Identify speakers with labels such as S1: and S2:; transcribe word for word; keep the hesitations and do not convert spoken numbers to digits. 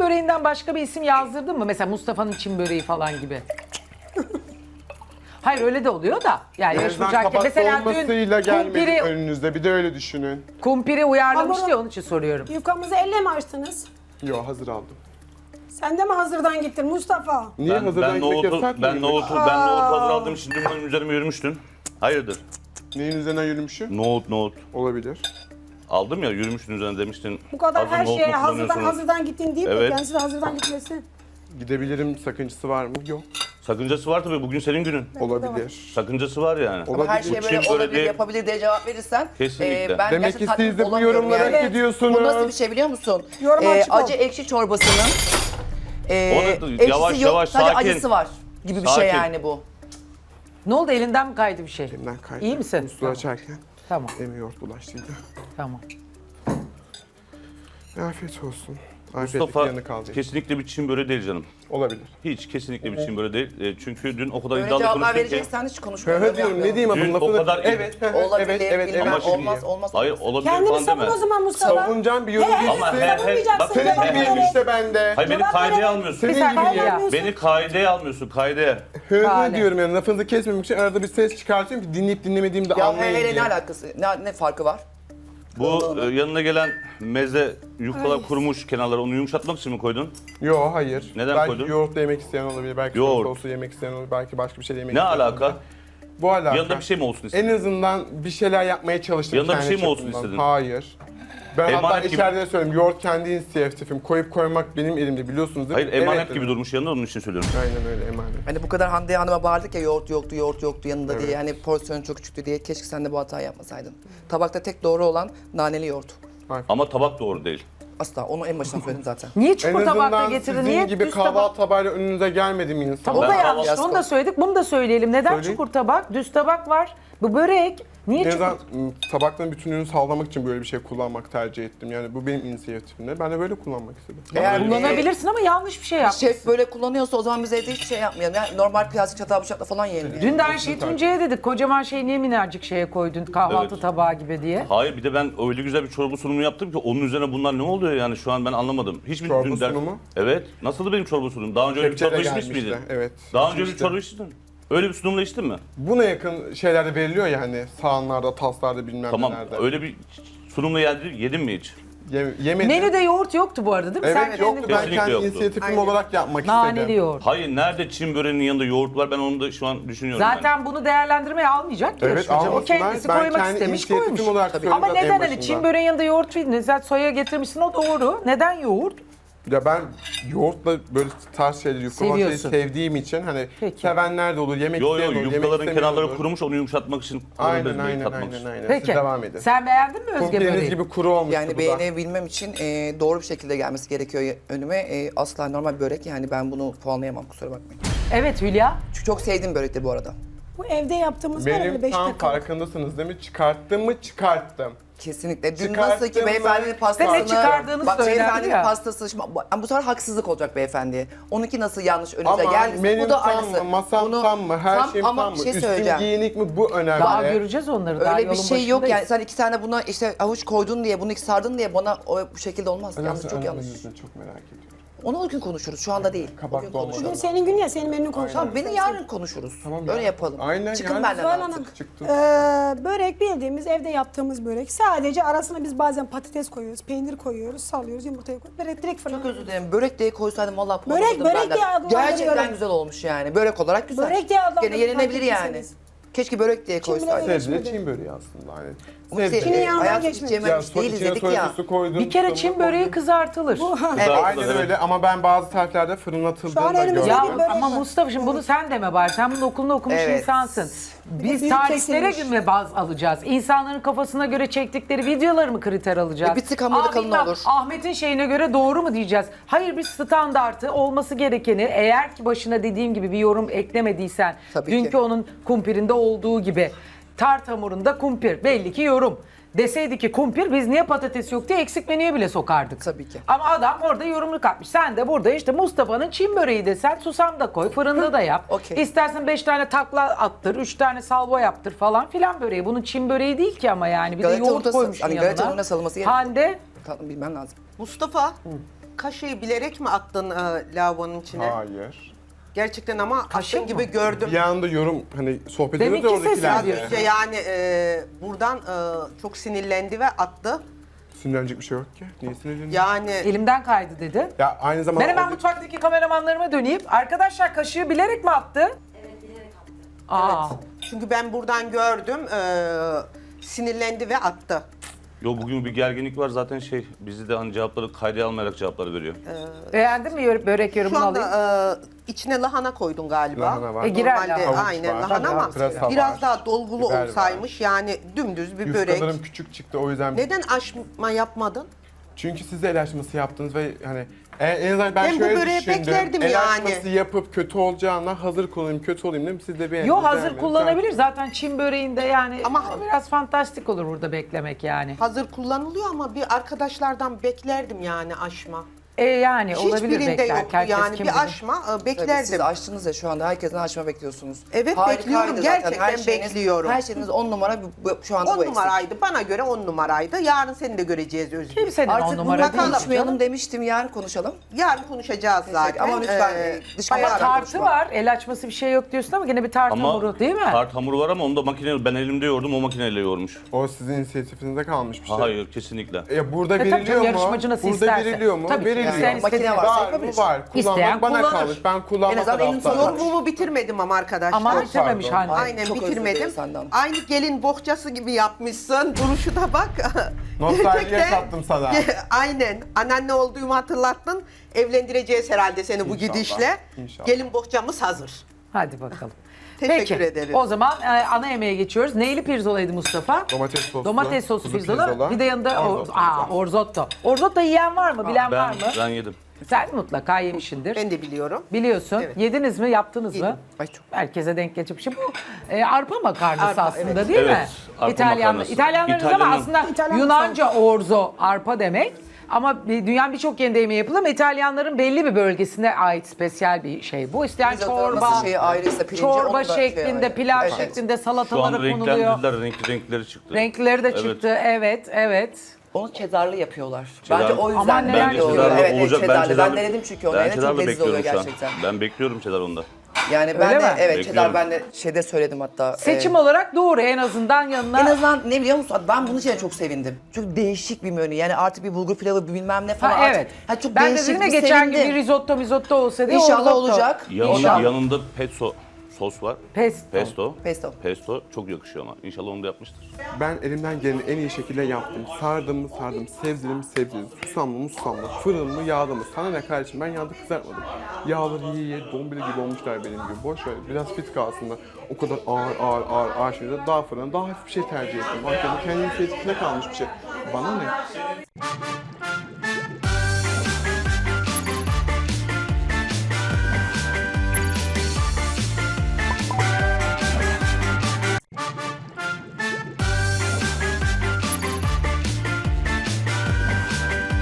S1: böreğinden başka bir isim yazdırdın mı? Mesela Mustafa'nın Çin böreği falan gibi. Hayır öyle de oluyor da. Yani
S2: En azından
S1: yarışmayacak
S2: kabak
S1: mesela
S2: dolmasıyla
S1: dün
S2: gelmedi
S1: kumpiri,
S2: önünüzde. Bir de öyle düşünün.
S1: kumpiri uyarlamıştı
S3: Hamuru-
S1: ya onun için soruyorum.
S3: Yufkamızı elle mi açtınız?
S2: Yo, hazır aldım.
S3: Sen de mi hazırdan gittin Mustafa?
S2: Niye
S4: Ben,
S2: hazırdan
S4: ben
S2: gitmek
S4: nohutu,
S2: yasak
S4: ben
S2: mıydı?
S4: nohutu, ben nohutu hazır aldığım için dün benim üzerime yürümüştün. Hayırdır?
S2: Neyin üzerinden yürümüşüm?
S4: Nohut, nohut.
S2: Olabilir.
S4: Aldım ya, yürümüştün üzerine demiştin.
S3: Bu kadar
S4: hazır
S3: her
S4: nohut
S3: şeye
S4: mu
S3: hazırdan
S4: kullanıyorsunuz?
S3: hazırdan gittin deyip de
S4: Evet.
S3: kendisi de hazırdan gitmesi.
S2: Gidebilirim, sakıncası var mı? Yok.
S4: Sakıncası var tabii, bugün senin günün.
S2: Olabilir.
S4: Sakıncası var yani.
S2: Olabilir.
S5: Her şey
S4: Bu
S5: böyle
S4: Çin
S5: olabilir,
S4: böreği-
S5: yapabilir diye cevap verirsen
S4: Kesinlikle.
S5: ben
S2: Demek
S5: gerçekten
S2: ki
S5: tatmin
S2: siz de bu
S5: olamıyorum
S2: yorumlara
S5: yani.
S2: gidiyorsunuz.
S5: Bu nasıl bir şey biliyor musun?
S3: Yorum
S5: Ee,
S3: açık ol.
S5: acı ekşi çorbasının e,
S4: O da
S5: ekşisi
S4: yavaş
S5: yok,
S4: yavaş,
S5: sadece
S4: sakin.
S5: acısı var gibi bir
S4: Sakin.
S5: şey yani bu.
S1: Ne oldu, elinden mi kaydı bir şey?
S2: Elimden kaydı.
S1: İyi misin?
S2: Musluğu
S1: Tamam.
S2: açarken
S1: Tamam,
S2: elime yoğurt bulaştıydı.
S1: tamam.
S2: Afiyet olsun. Afiyetlik
S4: Mustafa
S2: yanı kaldı.
S4: kesinlikle bir Çin böreği değil canım.
S2: Olabilir.
S4: Hiç kesinlikle bir Çin böreği değil. E, çünkü dün o kadar
S5: Böyle
S4: iddialı
S5: cevaplar
S4: konuştun ki.
S5: vereceksen hiç
S2: Hı
S5: konuşmuyorum.
S2: hı diyorum, ne diyeyim
S4: Dün
S2: adamın
S4: o
S2: lafını?
S4: kadar-
S2: Evet, hı hı,
S5: Olabilir,
S2: evet, evet,
S5: bilmem,
S2: evet.
S5: olmaz, olmaz.
S4: Hayır, olabilir
S3: Kendini
S4: falan
S3: savun
S4: deme.
S3: o zaman Mustafa.
S2: Savunacağım bir yorum
S3: He, he,
S4: Ama
S2: değilsin.
S4: he, he,
S3: savunmayacaksın,
S4: bak
S2: Senin
S3: cevap
S2: gibiyim
S3: vererek.
S2: işte ben de.
S4: Hayır, beni
S3: Cevap
S4: kaideye
S3: vererek-
S4: almıyorsun.
S2: Senin
S1: Bir saniye
S2: gibiyim.
S1: ya.
S4: Beni kaideye almıyorsun, kaideye.
S2: Hı hı
S1: Hale.
S2: diyorum yani, lafınızı kesmemek için arada bir ses çıkartıyorum ki dinleyip dinlemediğimi de
S5: Ya
S2: anlayın
S5: hele
S2: diye.
S5: ne alakası, ne, ne farkı var?
S4: Bu e, yanına gelen meze yufkalar kurumuş kenarları, onu yumuşatmak için mi koydun?
S2: Yo, hayır.
S4: Neden
S2: belki
S4: koydun?
S2: yoğurtla yemek isteyen olabilir, belki
S4: Yoğurt.
S2: yoğurt sosu yemek isteyen olabilir, belki başka bir şey yemek
S4: Ne
S2: isteyen
S4: alaka?
S2: olabilir. Bu alaka.
S4: Yanında bir şey mi olsun
S2: En
S4: istedin?
S2: azından bir şeyler yapmaya çalıştım.
S4: Yanında bir
S2: kendi
S4: şey mi olsun
S2: çapımdan.
S4: istedin?
S2: Hayır. Ben hatta
S4: Emanet gibi-
S2: içeride de söyledim, yoğurt kendi inisiyatifim. Koyup koymak benim elimde, biliyorsunuz değil mi?
S4: Hayır, emanet
S2: Evet
S4: gibi
S2: dedim.
S4: durmuş yanında, onun için söylüyorum.
S2: Aynen öyle, emanet.
S5: Hani bu kadar Hande Hanım'a bağırdık ya yoğurt yoktu, yoğurt yoktu yanında diye. Hani porsiyonu çok küçüktü diye. Keşke sen de bu hatayı yapmasaydın. Tabakta tek doğru olan naneli yoğurt.
S4: Ama tabak doğru değil.
S5: Asla. Onu en baştan söyledim zaten.
S1: Niye
S2: En
S1: çukur tabakta
S2: azından
S1: getirdin?
S2: sizin
S1: Niye
S2: gibi
S1: düz tabak?
S2: kahvaltı tabağıyla önünüze gelmedim insan.
S1: O da
S4: Ben
S1: yanlış.
S5: kahvaltı-
S1: Onu da söyledik. Bunu da söyleyelim. Neden
S2: Söyleyin.
S1: çukur tabak? Düz tabak var. Bu börek. Niye
S2: En
S1: çukur?
S2: azından ım, tabakların bütünlüğünü sağlamak için böyle bir şey kullanmak tercih ettim. Yani bu benim inisiyatifimde. Ben de böyle kullanmak istedim.
S5: Eğer
S1: Kullanabilirsin ama yanlış bir şey yapmışsın.
S5: şef böyle kullanıyorsa o zaman biz evde hiçbir şey yapmayalım. Yani normal plastik çatal bıçakla falan yiyelim. Yani.
S1: Dün de aynı şeyi Tuncay'a dedik. Kocaman şeyi niye minnacık şeye koydun kahvaltı
S4: Evet.
S1: tabağı gibi diye.
S4: Hayır, bir de ben öyle güzel bir çorba sunumu yaptım ki onun üzerine bunlar ne oluyor yani, şu an ben anlamadım. Hiçbir
S2: Çorba
S4: dün der-
S2: sunumu?
S4: Evet. Nasıldı benim çorba sunumum? Daha önce öyle bir
S2: Kepçeyle
S4: çorba içmiş
S2: gelmişti,
S4: miydin?
S2: evet.
S4: Daha önce öyle bir
S2: İçmiştim.
S4: çorba içtin mi? Öyle bir sunumla içtin mi?
S2: Buna yakın şeylerde veriliyor ya hani sahanlarda, taslarda bilmem
S4: Tamam.
S2: nelerde.
S4: Öyle bir sunumla yedin, yedin mi hiç?
S2: Ye- yemedim.
S1: Menüde yoğurt yoktu bu arada değil mi?
S2: Evet
S1: Sen
S2: yoktu,
S1: kendin-
S2: ben
S4: Kesinlikle
S2: kendi
S4: yoktu.
S2: inisiyatifim
S5: Aynen.
S2: olarak yapmak
S1: Naneli
S2: istedim.
S1: yoğurt.
S4: Hayır, nerede Çin böreğinin yanında yoğurt var, ben onu da şu an düşünüyorum.
S1: Zaten bunu değerlendirmeye almayacak ki
S2: Evet,
S1: yarışmacı. O
S2: almasınlar.
S1: kendisi
S2: Ben
S1: koymak
S2: kendi
S1: istemiş
S2: inisiyatifim
S1: koymuş.
S2: olarak söyledim
S1: Ama
S2: zaten en
S1: neden hani
S2: başında.
S1: Çin böreğin yanında yoğurt verdin? Sen soya getirmişsin o doğru. Neden yoğurt?
S2: Ya ben yoğurtla böyle tarz şeyleri yufkalamayı
S1: Seviyorsun.
S2: sevdiğim için hani
S1: Peki.
S2: sevenler de olur, yemek
S4: Yo yo,
S2: isteyen olur, yemek
S4: yufkaların
S2: istemeyen
S4: kenarları
S2: olur.
S4: kurumuş, onu yumuşatmak için
S2: Aynen
S4: kullanabiliriz,
S2: aynen
S4: tatmak
S2: aynen
S4: için.
S2: aynen.
S1: Peki.
S2: Siz devam edin.
S1: Sen beğendin mi Özge
S2: Kumpiriniz
S1: böreği?
S2: gibi kuru olmuştu
S5: Yani
S2: bu da.
S5: beğenebilmem için e, doğru bir şekilde gelmesi gerekiyor önüme. E, asla normal börek yani ben bunu puanlayamam kusura bakmayın.
S1: Evet Hülya.
S5: Çünkü çok sevdiğim börektir bu arada.
S3: Bu evde yaptığımız var
S2: Benim
S3: öyle beş
S2: tam
S3: dakika.
S2: farkındasınız değil mi? Çıkarttım mı çıkarttım.
S5: Kesinlikle. Dün
S2: Çıkarttın
S5: nasıl ki
S2: mı?
S5: beyefendinin pastasını...
S1: Ve ne çıkardığını
S5: Bak
S1: söylendi
S5: beyefendinin
S1: ya.
S5: pastası... Şimdi, bu bu sefer haksızlık olacak beyefendiye. Onunki nasıl yanlış önünüze
S2: Ama
S5: geldiyse
S2: benim
S5: bu da
S2: tam
S5: aynısı.
S2: mı, masam
S5: Bunu-
S2: tam mı, her
S5: tam
S2: şeyim
S5: ama
S2: tam mı,
S5: bir şey
S2: üstün
S5: söyleyeceğim.
S2: giyinik mi bu önemli.
S1: Daha göreceğiz onları. Daha
S5: Öyle bir
S1: yolun
S5: şey yok yani.
S1: başındayız.
S5: Sen iki tane buna işte avuç koydun diye, bunu iki sardın diye bana o bu şekilde olmaz.
S2: Önemli,
S5: Yanlış, çok
S2: önemli
S5: yanlış.
S2: yüzünü çok merak ediyorum.
S5: Onu o gün konuşuruz. Şu anda değil.
S2: Kabak
S5: o gün
S2: dolma.
S5: konuşalım.
S3: Bugün senin gün ya, senin menünü konuşalım.
S5: Tamam, beni yarın konuşuruz.
S2: Tamam
S5: Öyle
S2: ya.
S5: yapalım.
S2: Aynen,
S5: Çıkın
S2: yarın.
S5: benden
S3: Zuhal
S5: artık.
S3: Hanım,
S2: Çıktım.
S3: eee, börek bildiğimiz evde yaptığımız börek. Sadece arasına biz bazen patates koyuyoruz, peynir koyuyoruz, salıyoruz, yumurtayı koyuyoruz. Börek direkt fırına.
S5: Çok özür dilerim. Börek diye koysaydım vallahi puan
S3: Börek,
S5: alırdım
S3: börek
S5: benden.
S3: diye adlandırıyorum.
S5: Gerçekten güzel olmuş yani. Börek olarak güzel.
S3: Börek diye adlandırıyorum,
S5: Gene yenilebilir
S3: fark
S5: yani.
S3: ettiyseniz.
S5: Keşke börek diye
S3: Çin bile
S5: koysaydım.
S3: öyle.
S2: Sebze
S3: geçmedi.
S2: Çin böreği aslında hani.
S5: Ama
S2: Sebze.
S5: Çin'in
S3: yanından
S5: hayatı hiç
S3: geçmedi.
S5: yememiş
S2: so-
S5: değiliz
S2: içine
S5: dedik
S2: soya
S5: ya.
S2: sosu koydum,
S1: Bir kere
S2: sonra
S1: Çin böreği
S2: koydum.
S1: kızartılır.
S2: Aynen öyle ama ben bazı tariflerde fırınlatıldığını
S3: Şu an
S2: da
S3: elimizde
S2: gördüm.
S1: Ya
S3: bir börek
S1: ama
S3: var.
S1: Mustafa şimdi bunu sen deme bari. Sen bunun okulunu okumuş
S5: Evet.
S1: insansın. Biz
S3: büyük
S1: tariflere
S3: kesilmiş.
S1: göre baz alacağız. İnsanların kafasına göre çektikleri videoları mı kriter alacağız?
S5: E, bir tık hamuru da
S1: Aa,
S5: kalın
S1: bilmem,
S5: olur.
S1: Ahmet'in şeyine göre doğru mu diyeceğiz? Hayır, biz standartı olması gerekeni, eğer ki başına dediğim gibi bir yorum eklemediysen,
S5: Tabii
S1: dünkü
S5: ki.
S1: onun kumpirinde olduğu gibi tart hamurunda kumpir belli ki yorum. Deseydi ki kumpir, biz niye patates yok diye eksik menüye bile sokardık.
S5: Tabii ki.
S1: Ama adam orada yorumunu katmış. Sen de burada işte Mustafa'nın Çin böreği desen susam da koy, fırında da yap.
S5: Okey.
S1: İstersen beş tane takla attır, üç tane salvo yaptır falan filan böreği. Bunun Çin böreği değil ki ama yani. Bir
S5: Galeta
S1: de yoğurt
S5: unutası-
S1: koymuşsun
S5: hani
S1: yanına.
S5: galeta ununa salınması gerekiyor.
S1: Hande,
S5: Tatlım bilmem lazım.
S6: Mustafa, kaşığı bilerek mi attın e, lavabonun içine?
S2: Hayır.
S6: Gerçekten ama
S1: Kaşık
S6: attın
S1: mı?
S6: gibi gördüm.
S2: Bir anda yorum hani sohbet
S1: Deminki
S2: ediyoruz ya
S1: sesi
S6: Az
S2: oradakilerle.
S6: önce yani e, buradan e, çok sinirlendi ve attı.
S2: Sinirlenecek bir şey yok ki. Niye sinirleniyorsun?
S6: Yani
S1: Elimden kaydı dedi.
S2: Ya aynı zamanda...
S1: Ben hemen
S2: orada-
S1: mutfaktaki kameramanlarıma döneyim. Arkadaşlar kaşığı bilerek mi attı? Evet bilerek attı. Aa.
S6: çünkü ben buradan gördüm e, sinirlendi ve attı.
S4: Yo bugün bir gerginlik var zaten şey bizi de hani cevapları kayda almayarak cevapları veriyor.
S1: Beğendin mi yö- börek
S6: Şu
S1: yorumunu
S6: anda
S1: alayım?
S6: e, içine lahana koydun galiba.
S2: Lahana var.
S1: E, girer
S6: Normalde
S1: lahana.
S2: Havuç
S6: aynen
S2: var.
S6: lahana ama
S2: Pırasa
S6: biraz
S2: var.
S6: daha dolgulu
S2: Biber var.
S6: olsaymış yani dümdüz bir börek.
S2: Yufkalarım küçük çıktı o yüzden.
S6: Neden aşma yapmadın?
S2: Çünkü siz de el açması yaptınız ve hani en, en azından ben,
S6: Ben bu
S2: şöyle
S6: böreği
S2: düşündüm.
S6: beklerdim
S2: el
S6: yani.
S2: açması yapıp kötü olacağına hazır kullanayım, kötü olayım dedim. Siz de bir
S1: Yo hazır kullanabilir. Zaten Çin böreğinde yani
S6: Ama-
S1: ama biraz fantastik olur burada beklemek yani.
S6: Hazır kullanılıyor ama bir arkadaşlardan beklerdim yani aşma.
S1: E yani olabilir
S6: Hiçbirinde
S1: bekler.
S6: yoktu
S1: Herkes
S6: yani
S1: kim
S6: bir
S1: bilir.
S6: aşma e,
S5: Tabii
S6: beklerdim.
S5: siz açtınız ya şu anda herkesten açma bekliyorsunuz.
S6: Evet,
S5: Harikaydı
S6: bekliyorum.
S5: zaten.
S6: Gerçekten
S5: Her şeyiniz-
S6: bekliyorum.
S5: Her şeyiniz on numara bu, bu- şu anda
S6: on
S5: bu eksik.
S6: numaraydı. Bana göre on numaraydı. Yarın seni de göreceğiz Özgür.
S1: Kimsenin on
S5: Artık
S1: numara
S5: bunları
S1: değil.
S5: konuşmayalım demiştim yarın konuşalım.
S6: Yarın konuşacağız zaten.
S5: Ama lütfen,
S6: Ee,
S5: dış
S6: bayağı
S1: Ama
S5: Yarın
S1: tartı
S5: konuşma.
S1: var. El açması bir şey yok diyorsun ama gene bir tart
S4: Ama
S1: hamuru değil mi?
S4: tart hamuru var ama onu da makine ben elimde yoğurdum o makineyle yoğurmuş.
S2: O sizin inisiyatifinize kalmış bir şey.
S4: Hayır kesinlikle.
S2: Ya burada
S1: E tabii
S2: veriliyor
S1: canım,
S2: mu?
S1: yarışmacı nasıl
S2: Burada
S1: isterse.
S2: veriliyor mu?
S1: Tabii ki,
S2: veriliyor.
S1: isteyen
S5: Makine
S1: istediğini-
S5: varsa
S2: Var mı?
S5: yapabilir.
S2: Var.
S1: İsteyen
S2: Kullanmak bana
S1: kullanır.
S2: kalmış. Ben kullanmak
S5: En azından elini
S2: taraftarıyım.
S5: sokuyor.
S6: Yorumumu bitirmedim ama arkadaşlar.
S1: Ama
S2: Çok
S1: bitirmemiş
S2: pardon.
S1: Hande.
S6: Aynen
S5: Çok özür
S6: bitirmedim.
S5: dilerim senden.
S6: Aynı gelin bohçası gibi yapmışsın. Duruşu da bak.
S2: Nostalji
S6: Gerçekten-
S2: yaşattım sana.
S6: Aynen. Anneanne olduğumu hatırlattın. Evlendireceğiz herhalde seni bu
S2: İnşallah.
S6: gidişle.
S2: İnşallah.
S6: Gelin bohçamız hazır.
S1: Hadi bakalım.
S6: Teşekkür
S1: Peki,
S6: ederim.
S1: o zaman e, ana yemeğe geçiyoruz. Neyli pirzolaydı Mustafa?
S2: Domates soslu.
S1: Domates soslu
S2: kuzu
S1: pirzola.
S2: pirzola,
S1: Bir de yanında o,
S2: orzotto
S1: aa,
S2: pirzola.
S1: orzotto. Orzotto yiyen var mı? Bilen var
S4: Ben,
S1: mı?
S4: ben yedim.
S1: Sen mutlaka yemişsindir.
S6: Ben de biliyorum.
S1: Biliyorsun.
S6: Evet.
S1: Yediniz mi? Yaptınız mı?
S6: Yedim.
S5: Ay çok.
S1: Herkese denk gelecek bir şey. Bu e, arpa makarnası
S6: Arpa,
S1: aslında
S6: evet.
S1: değil mi?
S4: Evet, arpa
S1: İtalyan,
S4: makarnası.
S1: İtalyanlarız ama
S4: İtalyanın-
S1: aslında
S3: İtalyan
S1: Yunanca orzo arpa demek. Ama bir- dünyanın birçok yerinde yemeği yapılır ama İtalyanların belli bir bölgesine ait spesiyel bir şey bu. İsteyen
S5: Risotto
S1: çorba,
S5: nasıl şeyi ayrıysa pirinci, onu
S1: çorba
S5: da şey
S1: şeklinde,
S5: ayrı.
S1: pilav
S5: Evet.
S1: şeklinde
S4: Şu an
S1: salatalara konuluyor.
S4: renklendirdiler, renkli renkleri çıktı.
S1: Renkleri de
S4: Evet.
S1: çıktı. Evet, evet.
S5: Onu cheddarlı yapıyorlar.
S4: Cheddar-
S5: Bence o yüzden
S1: Aman neler
S5: belli oluyor.
S1: yapıyorlar.
S4: Cheddarlı
S5: Evet, evet,
S4: olacak.
S5: cheddarlı. Ben,
S4: cheddarlı-
S5: denedim çünkü onu.
S4: Ben
S5: Evet, çok
S4: cheddarlı
S5: leziz oluyor
S4: bekliyorum şu an.
S5: gerçekten.
S4: Ben bekliyorum cheddar onda.
S5: Yani ben
S1: Öyle
S5: de
S1: mi?
S5: evet
S4: Bekliyorum.
S5: cheddar ben de şeyde söyledim hatta.
S1: Seçim
S5: e,
S1: olarak doğru en azından yanına.
S5: En azından ne biliyor musun? Ben bunun için de çok sevindim. Çünkü değişik bir menü. Yani artık bir bulgur pilavı bir bilmem ne falan.
S1: Ha,
S5: artık-
S1: evet.
S5: Ha, çok
S1: ben de
S5: değişik
S1: dedim ya
S5: bir
S1: geçen gün
S5: sevindim.
S1: bir risotto mizotto olsa diye
S5: İnşallah
S1: orzotto.
S5: olacak.
S4: Yanında,
S5: İnşallah.
S4: yanında pesto sos var.
S1: Pesto.
S4: Pesto.
S5: Pesto.
S4: Pesto çok yakışıyor ama. İnşallah onu da yapmıştır.
S2: Ben elimden geleni en iyi şekilde yaptım. Sardım mı sardım, sebzeli mi sebzeli, susamlı mı susamlı, fırın mı yağlı mı? Sana ne kardeşim, ben yağda kızartmadım. Yağları iyi iyi, dombili gibi olmuşlar benim gibi. Boş ver, biraz fit kalsınlar. O kadar ağır ağır ağır ağır şeyde daha fırın, daha hafif bir şey tercih ettim. Bak yani kendi inisiyatifine kalmış bir şey. Bana ne?